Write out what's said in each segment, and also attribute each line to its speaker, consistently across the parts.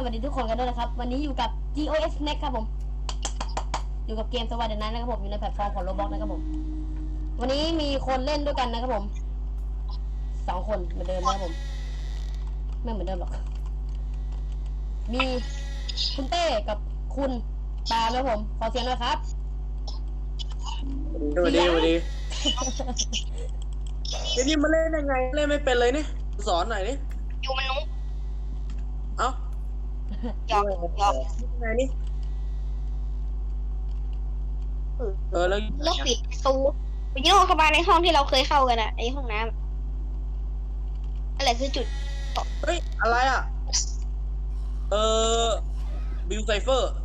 Speaker 1: วัสดีทุกคนกันด้วยนะครับวันนี้อยู่กับ GOS Next ครับผมอยู่กับเกมสวัสดีนั้นนะครับผมอยู่ในแพลตฟอร์มของ Roblox นะครับผมวันนี้มีคนเล่นด้วยกันนะครับผม2 คนเหมือนเดิมนะครับผมไม่เหมือนเดิมหรอกมีคุณเต้กับคุณปาล์มนะครับผมขอเสียงหน่อยครับ
Speaker 2: สวัสดีเดี๋ยวนี้มาเล่นยังไงเล่นไม่เป็นเลยนี่สอนหน่อยนี่
Speaker 3: อยู่มันนุ๊ก
Speaker 2: เอ้า
Speaker 3: หยอก
Speaker 2: ยังไงนี่แล้ว
Speaker 3: ปิดประตูไปยื่นเข้ามาในห้องที่เราเคยเข้ากันอะไอห้องน้ำอะไรคือจุด
Speaker 2: เฮ้ยอะไรอ่ะบิลไซเฟอร์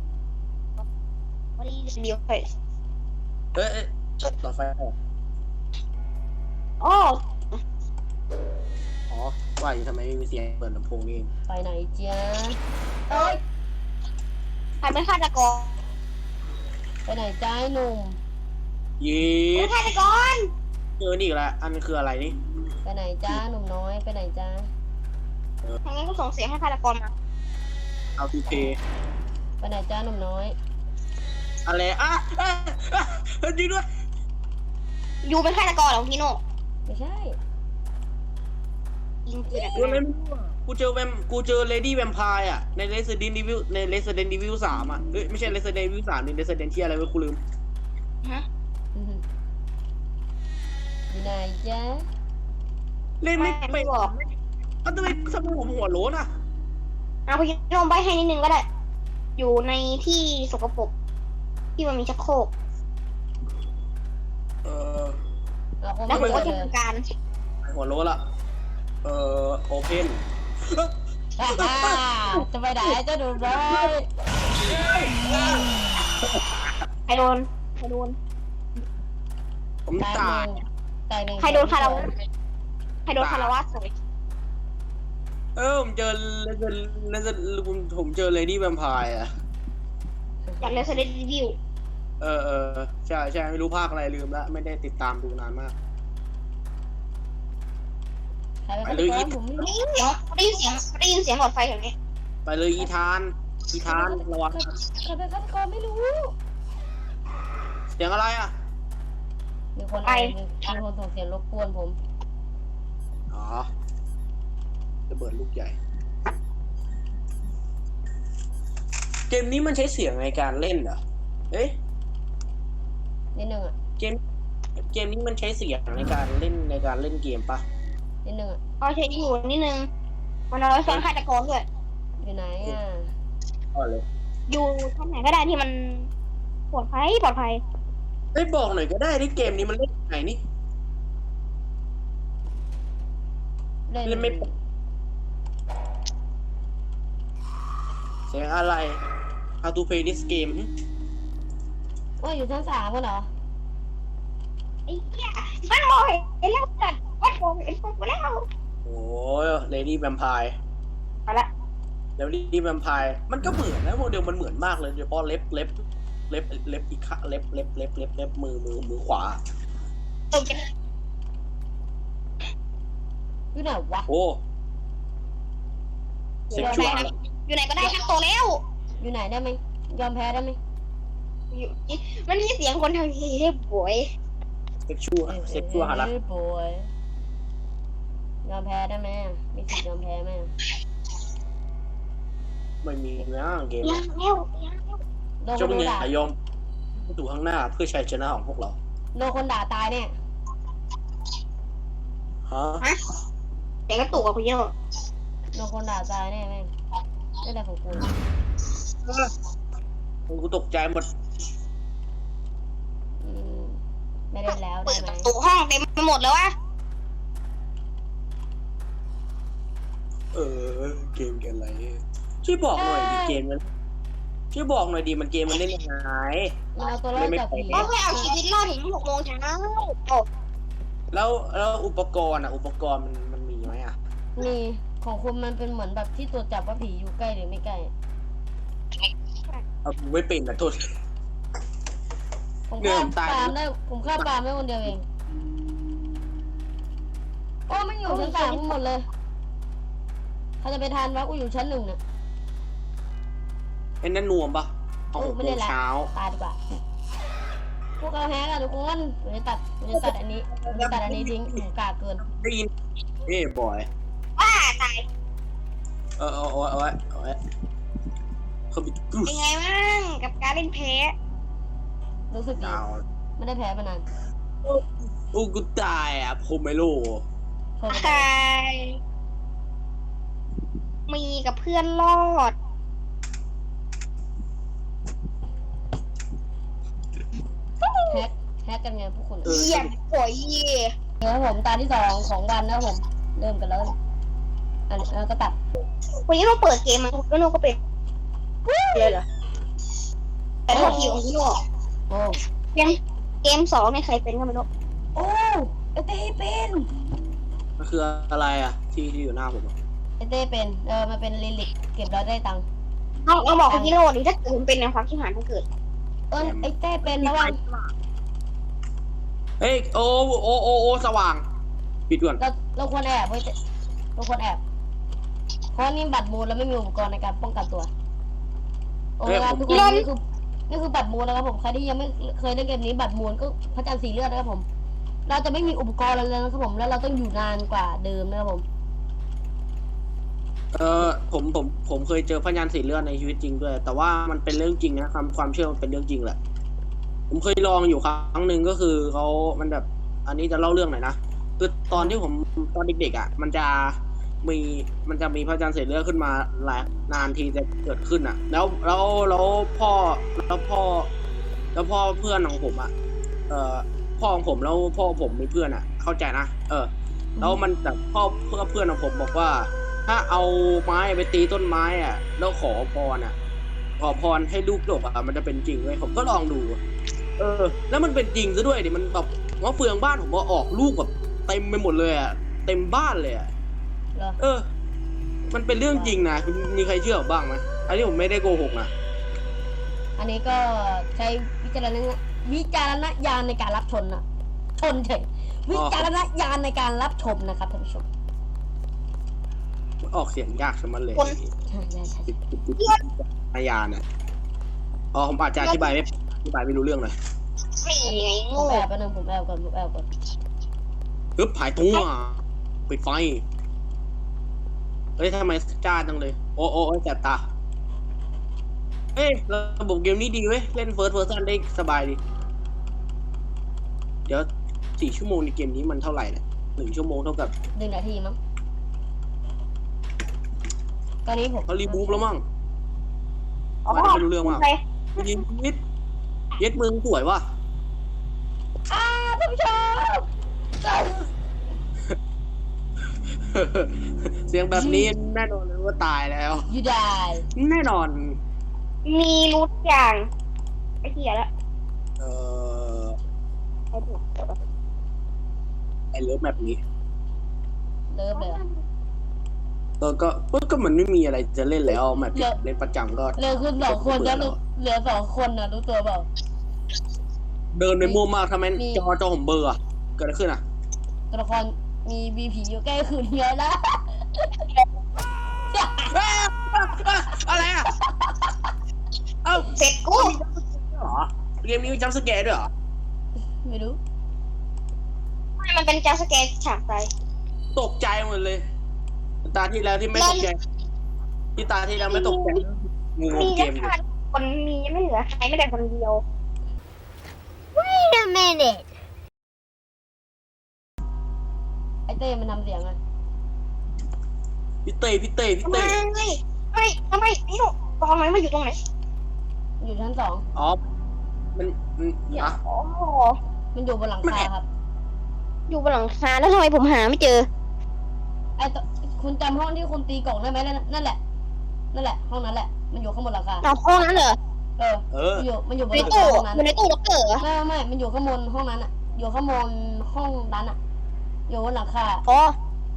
Speaker 3: วันนี้เดียวไป
Speaker 2: ต่อไฟ
Speaker 3: อ๋อ
Speaker 2: ว่าอยู่ทำไมไม่มีเสียงเปิดลำโพงนี่
Speaker 1: ไปไหนจ๊ะ
Speaker 3: เอ้ยใครเป็นฆาตกร
Speaker 1: ไปไหนจ้าหนุ่ม
Speaker 2: ยี
Speaker 3: ฆาตกร
Speaker 2: นี่อีกแล้วอันคืออะไรนี่
Speaker 1: ไปไหนจ้าหนุ่มน้อยไปไหนจ้า
Speaker 3: ทางนั้นก็ส่งเสียงให้ฆาตกรมา
Speaker 2: เอาทูเพ
Speaker 1: ไปไหนจ้าหนุ่มน้อย
Speaker 2: อะไรจริงด้วย
Speaker 3: ยูเป็นฆาตกรเหรอพี่โน่
Speaker 1: ไม่ใช่
Speaker 3: ยิง
Speaker 2: กูเจอเลดี้แวมไพร์อ่ะใน Resident Evil 3อ่ะไม่ใช่ Resident Evil 3นี่ Resident ที่อะไรวะกูลืม
Speaker 3: ฮะ
Speaker 1: อยู่ไหนจ๊ะ
Speaker 2: เล่นไม่เป็นทำไมผมหัวโล้นอ่ะ
Speaker 3: เอาพี่โน่ใบให้นิดนึงก็ได้อยู่ในที่สกปรกที่มันมีชักโครกแล้วผมก็จะทำการ
Speaker 2: หัวโล้ละโอเพน
Speaker 1: จะไปไหนเจ้าหนุ่มน้อย
Speaker 3: ใครโดน
Speaker 2: ผมตาย
Speaker 3: ใครโดนคาราวะสวย
Speaker 2: ผมเจอผมเจอเลดี้แวมไพร์อ่ะ
Speaker 3: อยากเล่นเซเลนดิว
Speaker 2: ใช่ไม่รู้ภาคอะไรลืมแล้วไม่ได้ติดตามดูนานมาก
Speaker 1: ไปเลย
Speaker 3: ได้ยินเสียงหลอดไฟอย่างนี้
Speaker 2: ไปเลยอีธานระวัง
Speaker 1: ใครเป็นฆาตกรไม่รู้
Speaker 2: เสียงอะไรอ่ะ
Speaker 1: มีคนส่งเสียงรบกวนผม
Speaker 2: ระเบิดลูกใหญ่เกมนี้มันใช้เสียงในการเล่นเหรอ
Speaker 1: นิดนึงอ่ะ
Speaker 2: เกมนี้มันใช้เสียงในการเล่นเกมปะ
Speaker 1: นิดนึงอ่ะ
Speaker 3: ใช้อยู่นิดนึงมันเอาไว้ฟังฆาตกรด้วย
Speaker 1: อยู่ไหนอ่ะ
Speaker 2: เลย
Speaker 3: อยู่ท่านไหนก็ได้ที่มันปลอดภัย
Speaker 2: บอกหน่อยก็ได้ที่เกมนี้มันเล่นยังไงนี่เล่นไม่เสียงอะไร How to play this game
Speaker 1: ว่าอยู่ชั้น3กันเหรอ
Speaker 3: ไอ้เหี้ยมันมองเห็นแล้วกันมันมองเห็นพวกแล้ว
Speaker 2: โอ้ย Lady Vampire
Speaker 3: เอาละ
Speaker 2: Lady Vampire มันก็เหมือนนะโมเดลมันเหมือนมากเลยโดยเฉพาะเล็บอีกข้างเล็บมือขวา
Speaker 1: อยู่ไหนวะ
Speaker 2: โอ้
Speaker 3: อยู่ไหนก็ได้ทั้งตัวแล้ว
Speaker 1: อยู่ไหนได้ไหมยอมแพ้ได้ไหม
Speaker 3: มันมีเสียงคนทางทีให้ป่วย
Speaker 2: เซ็กชัวหารัก
Speaker 1: ป่วยยอมแพ้ได้ไหมมีสิทธิ์ยอมแพ้ไหม
Speaker 2: ไม่มีนะเกม
Speaker 1: เจ้ามึงอย่
Speaker 2: ายอมดูข้างหน้าเพื่อชัยชนะของพวกเรา
Speaker 1: โดนคนด่าตายเนี่ย
Speaker 2: ฮะ
Speaker 3: แต่ก็ตู่กับคุณเยอะ
Speaker 1: โดนคนด่าตายแน่แม่งไม่ได้ของ
Speaker 2: กูตกใจหมด
Speaker 1: ไม่ได้แล้วได้ไหม
Speaker 3: ตู่ห้องเต็มไปหมดแล้ววะ
Speaker 2: เกมอะไรช่วยบอกหน่อยดิเกมมันช่วยบอกหน่อยดิมันเกมมันเล่นยังไง
Speaker 1: มันเอาตัวรอดจากผี
Speaker 3: ก็ให้เอาชีวิตรอดถึง6 โมงเช้า
Speaker 2: แล้วอุปกรณ์มันมีไหมอ่ะ
Speaker 1: มีของคุณมันเป็นเหมือนแบบที่ตรวจจับว่าผีอยู่ใกล้หรือไม่ใกล้
Speaker 2: ไม่เป็นนะโทษ
Speaker 1: ผมฆ่าปาล์มได้คนเดียวเองโอ้ไม่อยู่ชั้น3หมดเลยเขาจะไปทานวะกูอยู่ชั้น1เนี่ย
Speaker 2: ไอ้นั่นนวมปะเอา6 โมงเช้า
Speaker 1: ตายดีกว่าพวกเราแฮกอะทุกคนผมจะตัดอันนี้ทิ้งหนูกากเกิน
Speaker 2: ได้ยินบอย
Speaker 3: ว่าตาย
Speaker 2: เอาไว้เขาบิดกรุ๊
Speaker 3: เป็นไงบ้างกับการเล่นแพ้
Speaker 1: รู้สึกดี
Speaker 2: ดาว
Speaker 1: ไม่ได้แพ้มานาน
Speaker 2: โอ้กูตายอ่ะผมไม่รู้
Speaker 1: โทษ
Speaker 3: ใครมีกับเพื่อนรอด
Speaker 1: แฮกกันไงพวกคุณ
Speaker 3: เยี่ยมโอยเย่
Speaker 1: เดี๋ยวผมตาที่2ของวันนะครับผมเริ่มกันแล้วอันนี้ก็ตัด
Speaker 3: วันนี้เราเปิดเกมมาแล้วเราก็เป็นเลยเหรอแต่โทษทีของพี่โน่
Speaker 1: โอ้
Speaker 3: เกม2เนี่ยใครเป็นก็ไม่รู้
Speaker 1: โอ้ไอเต้เป็น
Speaker 2: มันคืออะไรอ่ะที่อยู่หน้าผมอ่ะ
Speaker 1: ไอเต้เป็นมันเป็นลิลิกเก็บแล้วได้ตังค์
Speaker 3: เอาบอกคุณพี่โน่ดิถ้าเกิดผมเป็นในความที่หานถ้าเกิด
Speaker 1: ไอเต้เป็นระวัง
Speaker 2: เฮ้ยโอ้สว่างปิดก่อน
Speaker 1: เราควรแอบเว้ยเราควรแอบเพราะนี่บัตรมูลแล้วไม่มีอุปกรณ์ในการป้องกันตัวโอ้ยครับทุกคนนี่คือบัตรมูลนะครับผมใครที่ยังไม่เคยเล่นเกมนี้บัตรมูลก็พระจันทร์สีเลือดนะครับผม เราจะไม่มีอุปกรณ์อะไรเลยนะครับผมแล้วเราต้องอยู่นานกว่าเดิมนะครับผม
Speaker 2: ผมเคยเจอพยานสีเลือดในชีวิตจริงด้วย แต่ว่ามันเป็นเรื่องจริงนะความเชื่อมันเป็นเรื่องจริงแหละผมเคยลองอยู่ครั้งหนึ่งก็คือมันแบบ อันนี้จะเล่าเรื่องหน่อยนะคือตอนที่ผมตอนเด็กๆอ่ะมันจะมีพระจันทร์สีเลือดขึ้นมาหลายนานทีจะเกิดขึ้นอ่ะ แล้วพ่อเพื่อนของผมอ่ะพ่อของผมแล้วพ่อผมมีเพื่อนอ่ะ เข้าใจนะแล้วมันแต่เพื่อนของผมบอกว่า ถ้าเอาไม้ไปตีต้นไม้อ่ะแล้วขอพรให้ลูกดกอ่ะมันจะเป็นจริงเลยผมก็ลองดูแล้วมันเป็นจริงซะด้วยดิมันแบบว่าเฟืองบ้านผมว่าออกลูกแบบเต็มไปหมดเลยอ่ะเต็มบ้านเลยอ่ะมันเป็นเรื่องจริงนะมีใครเชื่อบ้างไหมอันนี้ผมไม่ได้โกหกนะ
Speaker 1: อันนี้ก็ใช้วิจารณญาณในการรับชมนะชนเฉยวิจารณญาณในการรับชมนะครับท่านผู้ชม
Speaker 2: ออกเสียงยากสมันเลย
Speaker 1: ใช่
Speaker 2: อาญาเนี่ยผมอาจจะอธิบายไม่รู้เรื่องเลย
Speaker 3: ไม่ไง
Speaker 1: ผม
Speaker 3: โง่
Speaker 1: แอบไปนึงผมแอบก่อน
Speaker 2: ปึ๊บหายตัวปิดไฟเฮ้ยทำไมจ้าจังเลยโอ้แสบตาเฮ้ยระบบเกมนี้ดีเว้ยเล่นเฟิร์สเพอร์ซันได้สบายดีเดี๋ยว4 ชั่วโมงในเกมนี้มันเท่าไหร่เนี่ย1 ชั่วโมงเท่ากับ
Speaker 1: 1 นาทีมั้งตอนนี้ผม
Speaker 2: เขารีบูฟแล้วมั้ง
Speaker 3: อ๋อ
Speaker 2: ไม่รู้เรื่องว่า
Speaker 3: ใคร
Speaker 2: ยิงนิดเย็ดมึงสวยว่ะ
Speaker 1: ท่านผู้ชม
Speaker 2: เสียงแบบนี้แน่นอนเลยว่าตายแล้ว
Speaker 1: ยูได้
Speaker 2: แน่นอน
Speaker 3: มีรูทอย่างไอ้เหี้ยแล้ว ไอ้ถูก
Speaker 2: ไอเลิฟแบบนี้
Speaker 1: เริ่มเลย
Speaker 2: ก็มันไม่มีอะไรจะเล่นแล้วแมปเล่นประจำก็
Speaker 1: เริ่มขึ้น2 คนแล้วเหลือ2 คนนะรู้ตัวเปล่า
Speaker 2: เดินไปมั่วมากทำไมจอผมเบอร์อะเกิดอะไรขึ้นอะ
Speaker 1: ตัวละครมีบีผีอยู่ใกล้คืนเยอะแล้ว
Speaker 2: อะไรอะเอ้า
Speaker 3: เสร็จกู
Speaker 2: เหรอเกมนี้มีจัมป์สแกร์ด้วยเหรอ
Speaker 1: ไม่รู้
Speaker 3: มันเป็นจัมป์สแกร์ฉากไป
Speaker 2: ตกใจหมดเลยตาที่แล้วที่ไม่ตกใจที่ตาที่แล้วไม่ตกใจงู
Speaker 3: มี
Speaker 2: เก
Speaker 3: แค่
Speaker 2: ม
Speaker 3: คนมียังไม่เหลือใครไม่ได้คนเดียว
Speaker 4: Wait a minute.
Speaker 1: ไอเต้มันทำเสียงอะ
Speaker 2: พี่เต้
Speaker 3: ทำไมนี่หนูตอนไหนมาอยู่ตรงไหน
Speaker 1: อยู่ชั้น 2
Speaker 2: อ๋อมันนะ
Speaker 3: อ๋อ
Speaker 1: มันอยู่บนหลังคาครับ
Speaker 3: อยู่บนหลังคาแล้วทำไมผมหาไม่เจอ
Speaker 1: ไอตัวคุณจำห้องที่คุณตีกล่องได้ไหมนั่นแหละห้องนั้นแหละมันอยู่ข้างบนหลังคา
Speaker 3: เอาห้องนั้นเหรอ
Speaker 1: มันอยู่บน
Speaker 3: ใน
Speaker 1: หลัง
Speaker 3: ตู้
Speaker 1: คาห้องนั้น
Speaker 3: อยู่ในตู้ล็อกเกอร์เหรอ
Speaker 1: ไม่มันอยู่ข้างบนห้องนั้นอะอยู่ข้างบนห้องนั้นอะอยู่บนหลังคา
Speaker 3: อ๋อ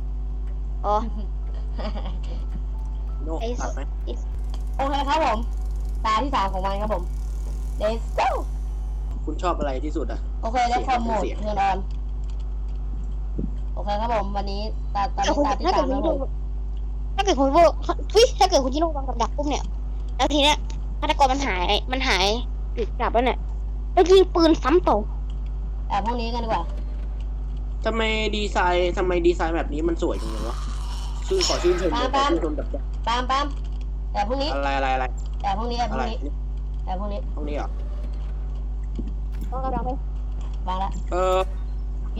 Speaker 2: โน่ตัดไหม
Speaker 1: โอเคครับผมตาที่ 3ของมันครับผม Let's go
Speaker 2: คุณชอบอะไรที่สุดอะ
Speaker 1: โอเคแล้วคอมโหมดเทอร์นอนโอเคครับผมวันนี้ตาที่
Speaker 3: ถ้าเกิด
Speaker 1: 3
Speaker 3: คุณ
Speaker 1: ครับผม
Speaker 3: ถ้าเกิดคุณโบถ้าเกิดคุณจิโร่วางกับดักปุ๊บเนี่ยแล้วทีเนี้ยฆาตกรมันหายติดกลับแล้วเนี่ยแล้วยิงปืนซ้ำต่อ
Speaker 1: แอบห้องนี้กันดีกว่า
Speaker 2: ทำไมดีไซน์แบบนี้มันสวยจังเลยวะขอชื่นชมแบบ
Speaker 1: ปาล์มแอบห้องนี้
Speaker 2: อะไร
Speaker 1: แอบห้องนี้แอบ
Speaker 2: อะ
Speaker 1: ห้อ
Speaker 2: ไรง
Speaker 1: นี้แอบห้องนี้
Speaker 2: ห้องนี้เหรอ
Speaker 3: ก็กำลังไป
Speaker 1: วางละ
Speaker 3: แบบ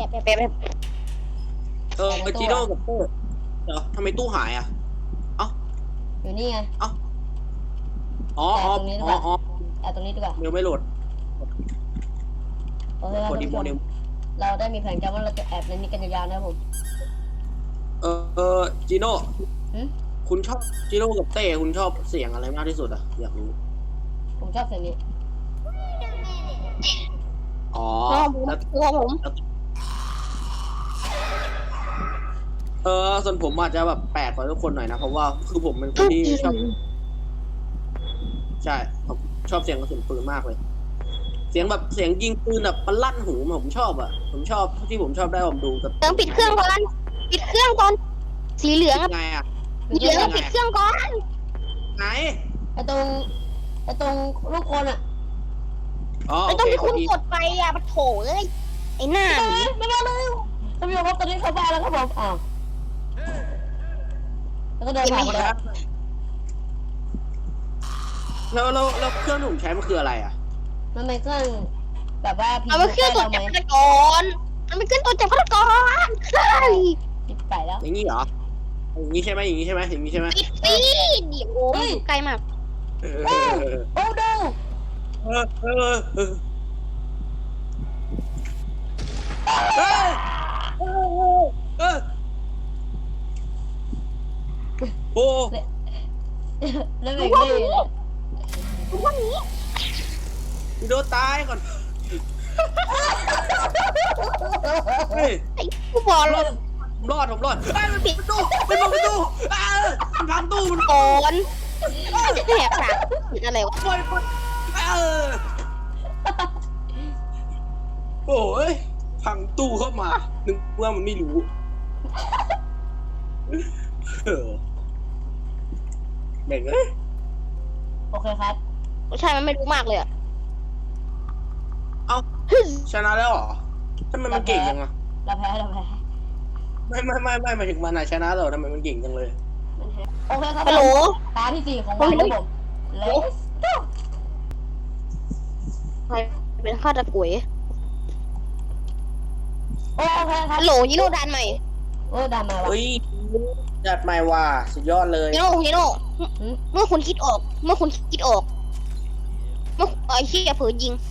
Speaker 2: จิโร่กับเตอร์เดี๋ยวทำไมตู้หายอ่ะ
Speaker 1: อยู่นี่ไง
Speaker 2: อ๋อ
Speaker 1: แอบตรงนี้ดีกว่า
Speaker 2: เดี๋ยวไม่โหลด
Speaker 1: โอเคครับ
Speaker 2: กด
Speaker 1: ท่าน
Speaker 2: ดี
Speaker 1: ผู้
Speaker 2: โม
Speaker 1: ชม
Speaker 2: เดล
Speaker 1: เราได้มีแผนการว่าเราจะแอบในนี้กันยาวๆนะครับผม
Speaker 2: จิโน่
Speaker 1: หืม
Speaker 2: คุณชอบจิโร่กับเต้คุณชอบเสียงอะไรมากที่สุดอ่ะอยากรู้
Speaker 1: ผมชอบเสียงนี้
Speaker 2: อ๋อ แล้ว
Speaker 3: ตัวผม
Speaker 2: ส่วนผมอาจจะแบบแปลกกว่าทุกคนหน่อยนะเพราะว่าคือผมเป็นคนที่ชอบ ใช่ผมชอบเสียงกระสุนปืนมากเลย เสียงแบบเสียงยิงปืนแบบมันลั่นหูผมชอบอ่ะผมชอบที่ผมชอบได้ผมดูกับ
Speaker 3: เติมปิดเครื่องก่อนสีเหลือง
Speaker 2: ไงอ่ะ
Speaker 3: สีเหลืองปิดเครื่องก่อน
Speaker 2: ไหน
Speaker 1: ไอตรงลูกคนอ่ะ
Speaker 2: อ๋อ
Speaker 3: ไม่
Speaker 2: โอ
Speaker 3: ต้อง
Speaker 2: เค
Speaker 3: ที่คุณ
Speaker 2: ดี
Speaker 3: กดไปอ่ะมันโถเลยไอ้หน้า
Speaker 1: ไม่มาเลยท่านผู้ชมครับตอนนี้เข้าบ้านแล้วครับผมอ้าวแล้วก็เดินผ่านไปแล้ว
Speaker 2: แล้วเครื่องที่ผมใช้มันคืออะไรอ่ะ
Speaker 1: มันเป็นเครื่องแบบว่าผี
Speaker 3: เอาไปเครื่องตรวจ
Speaker 1: ไหม
Speaker 3: จับฆาตกรมันเป็นเครื่องตรวจจับฆาตกรใช่
Speaker 1: ปิดไปแล้ว
Speaker 2: อย่างนี้เหรออย่างนี้ใช่ไหมอย่างนี้ใช่ไหมอย่างนี้ใช่ไหม
Speaker 3: ปิดสิเดี๋ยวโอ้ยอยู่ไกลมาก
Speaker 2: เออ
Speaker 1: โอ้ดู
Speaker 2: เฮ้ยโอ้
Speaker 1: แล้วแบบนี้เลย
Speaker 3: ทุกวันนี้
Speaker 2: โดนตายก่อนเฮ้ย
Speaker 3: ไอ้ผู้บอล
Speaker 2: ผมรอดมันปิดประตูมันพังตู้มันพังตู้มัน
Speaker 3: ก่อนแหกปากผิดอะไรวะ
Speaker 2: ปล่อยโอ้ยพังตู้เข้ามานึกว่ามันไม่รู้แบ่งเลย
Speaker 1: โอเคครับ
Speaker 3: ใช่มันไม่รู้มากเลยอ่ะ
Speaker 2: ชนะแล้วเหรอทำไมมันเก่งจังอะ
Speaker 1: เราแพ้
Speaker 2: ไม่หมายถึงมันอะชนะแล้วทำไมมันเก่งจังเลย
Speaker 1: โอเคครับ
Speaker 3: ฮัลโหล
Speaker 1: ตาที่4ของวันครับผม Let's go
Speaker 3: ใครเป็นฆาตกร
Speaker 1: โอเคครับ
Speaker 3: ฮัลโหลยิโร่ดันใหม่
Speaker 1: โอ้ดามาวะ
Speaker 2: เฮ้ยจัดใหม่ว่ะสุดยอดเลย
Speaker 3: ยิโร่เมื่อคุณคิดออกเมื่อไอ้เหี้ยเผลอยิง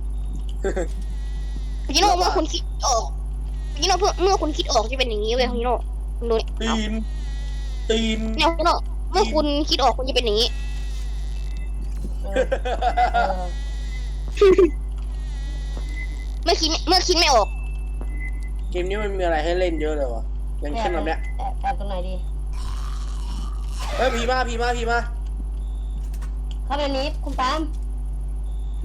Speaker 3: ยิโร่เมื่อคุณคิดออกยิโร่เมื่อคุณคิดออกจะเป็นอย่างนี้เว้ยยิโร่คุณดู
Speaker 2: ตีน
Speaker 3: เนี่ยยิโร่เมื่อคุณคิดออกคุณจะเป็นอย่างนี้
Speaker 1: เออ
Speaker 3: เมื่อคิดไม่ออก
Speaker 2: เกมนี้มันมีอะไรให้เล่นเยอะเลยวะอย่างเช่นแบบเนี้ย
Speaker 1: แอบตรงไหนดี
Speaker 2: เฮ้ยพีมา
Speaker 1: เข้าไปนี้คุณปาล์ม
Speaker 2: ไม่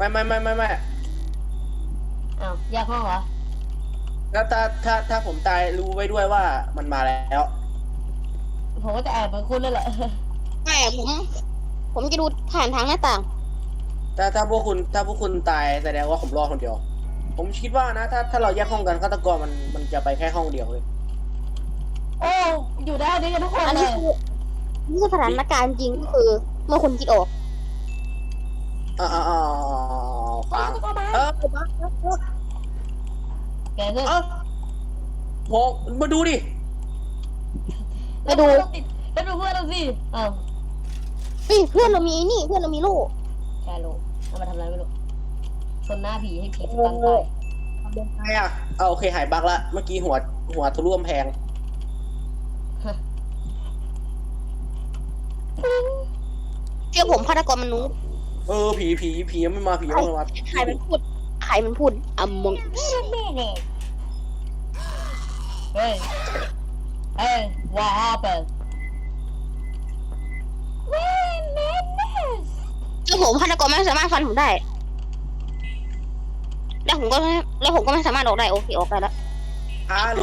Speaker 1: อ้าวแยกห้องเหรอ
Speaker 2: แล้วถ้าผมตายรู้ไว้ด้วยว่ามันมาแล้ว
Speaker 1: ผมก็จะแอบเหมือนคุณนั่นแหละ
Speaker 3: ไม่ผมจะดูผ่านทางหน้าต่าง
Speaker 2: ถ้าพวกคุณตายแสดงว่าผมรอดคนเดียว ผมคิดว่านะถ้าเราแยกห้องกันฆาตกรมันจะไปแค่ห้องเดียวเลย
Speaker 1: โอ้อยู่ได้ดีกันทุกคน
Speaker 3: อัน
Speaker 1: เล
Speaker 3: นี้
Speaker 1: ย
Speaker 3: คือสถานการณ์จริงก็คือ เมื่อคุณคิดออก
Speaker 2: ฟังปัง
Speaker 1: แกขึ้น
Speaker 2: โหมาดูดิ
Speaker 3: มาดู
Speaker 1: แล้วดูเพื่อนเราสิอ้าว
Speaker 3: เพื่อนเรามีนี่เพื่อนเรามีลูก
Speaker 1: แกรู้เอามาทำอะไรไม่รู้ชนหน้าผีให้ผีสตันตาย
Speaker 2: ทำยังไงอ่ะโอเคหายบั๊กละเมื่อกี้หัวทะลุกำแพง
Speaker 3: เชื่อผมฆาตกรมันรู้
Speaker 2: ผียังไม่มาผียังไม่มา
Speaker 3: ใครมันพูดมอง
Speaker 1: เฮ้ย what happened
Speaker 3: เชื่อผมฆาตกรไม่สามารถฟันผมได้ แล้วผมก็ไม่สามารถออกได้โอเคออกได้แล้ว
Speaker 2: ฮัลโหล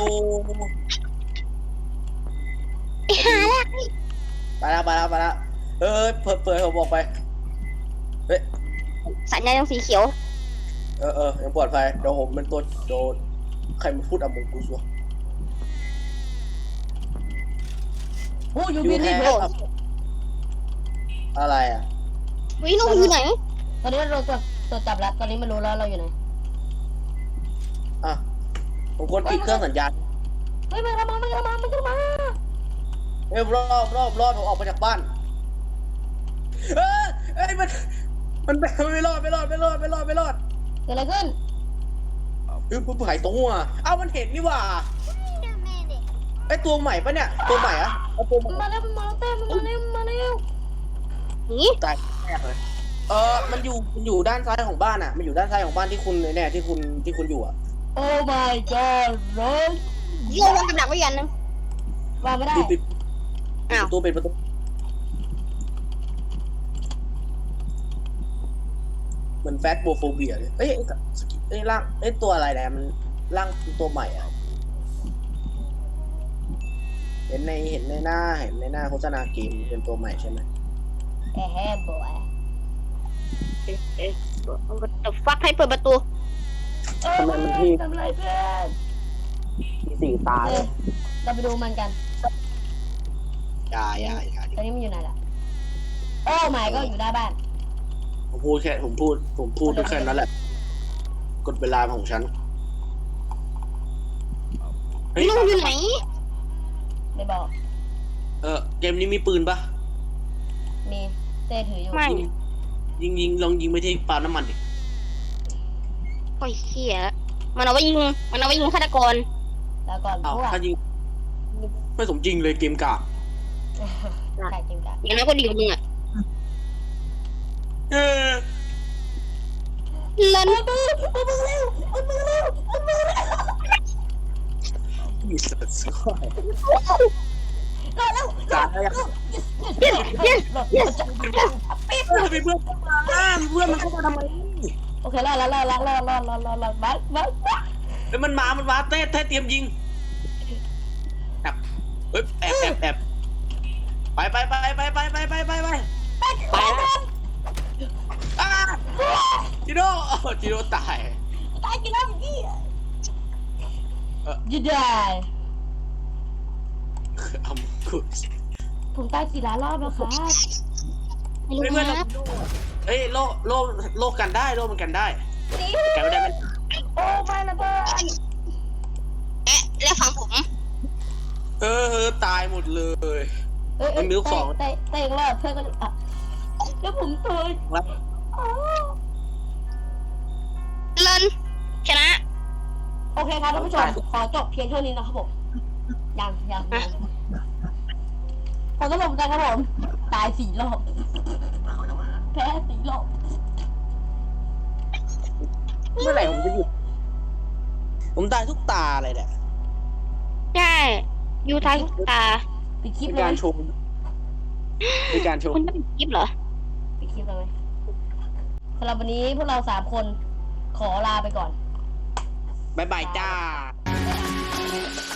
Speaker 3: ไอ้ห่าละ
Speaker 2: ไปแล้วเปิดผมบอกไปฮ้ย
Speaker 3: สัญญาณยังสีเขียว
Speaker 2: ยังปลอดภัยเดี๋ยวผมเป็นตัวโดนใครมาพูดมงกูซัว
Speaker 1: โอ้ยู
Speaker 2: ยู
Speaker 1: บิน
Speaker 2: แฮ
Speaker 1: นี่
Speaker 2: อะไรอ่ะ
Speaker 3: วินุ่มอยู่ไหน
Speaker 1: ตอนนี้เราตรวจจับแล้ว ตอนนี้ไม่รู้แล้วเราอยู่ไหน
Speaker 2: อ่ะผมควรปิดเครื่องสัญญาณ
Speaker 1: เฮ้ยมันจะมา
Speaker 2: เอ้ยรอดผมออกมาจากบ้านเอ้ยมันไม่รอด
Speaker 1: เกิดอะไรขึ้น
Speaker 2: ผู้หายตัวเอ้ามันเห็นนี่หว่า
Speaker 4: Wait a minute.
Speaker 2: ไอ้ตัวใหม่ปะเนี่ยตัวใหม่อะเอาตัวใหม่
Speaker 1: มาแล้วเต้มันมาแล้ว
Speaker 3: นี่
Speaker 2: ตายแรกเลยมันอยู่ด้านซ้ายของบ้านอ่ะมันอยู่ด้านซ้ายของบ้านที่คุณเนี่ยที่คุณอยู่อ่ะ
Speaker 1: โอ้ my god รถ
Speaker 3: โยนกำลังไว้ยันนึง
Speaker 1: วางไม่ได้
Speaker 2: ปิด
Speaker 3: อ้าว
Speaker 2: ประตูเหมือนแฟตโบโฟเบียเลยเอ้ยร่างตัวอะไรเนี่ยมันร่างตัวใหม่อ่ะเห็นในหน้าโฆษณาเกมเป็นตัวใหม่ใช่ไหม
Speaker 1: แฮ่บอย
Speaker 3: เดี๋ยวฟักให้เปิดประตู
Speaker 1: ทำไรเพื่อน
Speaker 2: มีสี่ตาเลย
Speaker 1: เราไปดูมันกัน
Speaker 2: อย่า
Speaker 1: ตอนนี้มันอยู่ไหนล่ะ โอ้หมายก็อยู่หน้าบ้าน
Speaker 2: ผมพูดแค่นั้นแหละกดเวลาของฉันเฮ้ย
Speaker 3: นุ่มอยู่ไหน
Speaker 1: ไม่บอก
Speaker 2: เกมนี้มีปืนปะ
Speaker 1: มีเต้ถืออยู่
Speaker 3: ไม่
Speaker 2: ยิงลองยิงไปที่ปาล์มน้ำมันดิ
Speaker 3: โอ้ยเขี้ยมันเอาไว้ยิงฆาตกร
Speaker 1: แล้วก่อน
Speaker 2: อ้าว
Speaker 1: พวก
Speaker 2: ถ้ายิงไม่สมจริงเลยเกมกาก
Speaker 1: ใช่จริงจ้ะ
Speaker 3: อย่างนั้นก็ดีกว่ามึงอ่ะ
Speaker 2: เออ
Speaker 3: เล่น
Speaker 2: มีสัตว์สวย
Speaker 1: รอแล้ว
Speaker 2: ตายแล้ว ทำไมเพื่อนเข้ามาเพื่อนมันเข้ามาทำไม
Speaker 1: โอเครอดบัส
Speaker 2: เฮ้ยมันมาเต้เตรียมยิงแอบเฮ้ยแอบไปจิโร่ตาย
Speaker 1: ตายกี่รอบพี่ยืดได้
Speaker 2: เอาคุด
Speaker 1: ผมตายกี่ล้านรอบแล้วครับ
Speaker 3: ไม่รู้นะ
Speaker 2: เฮ้ยโลกันได้โลมันกันได้กันไม่ได้มัน
Speaker 1: โอ้ไม่นะเพื่อน
Speaker 3: แล้วฟังผม
Speaker 2: ตายหมดเลย
Speaker 1: เตะอีกรอบเพื่อนก็อ่ะแล้วผมตาย
Speaker 3: เล่นชนะ
Speaker 1: โอเคครับท่านผู้ชมขอจบเพียงเท่านี้นะครับผมยังขอสรุปกันครับผมตาย4 รอบแพ้4 รอบ
Speaker 2: เมื่อไหร่ผมจะหยุดผมตายทุกตาเลยเนี่ย
Speaker 3: ใช่ยูทายทุกตา
Speaker 1: ปิดคลิป
Speaker 2: เป็น
Speaker 1: เลย
Speaker 2: การชมเป็นการชม
Speaker 3: คุณต้องปิดคลิปเหรอ
Speaker 1: ปิดคลิปเลยสำหรับวันนี้พวกเรา3 คนขอลาไปก่อน
Speaker 2: บ๊ายบายจ้า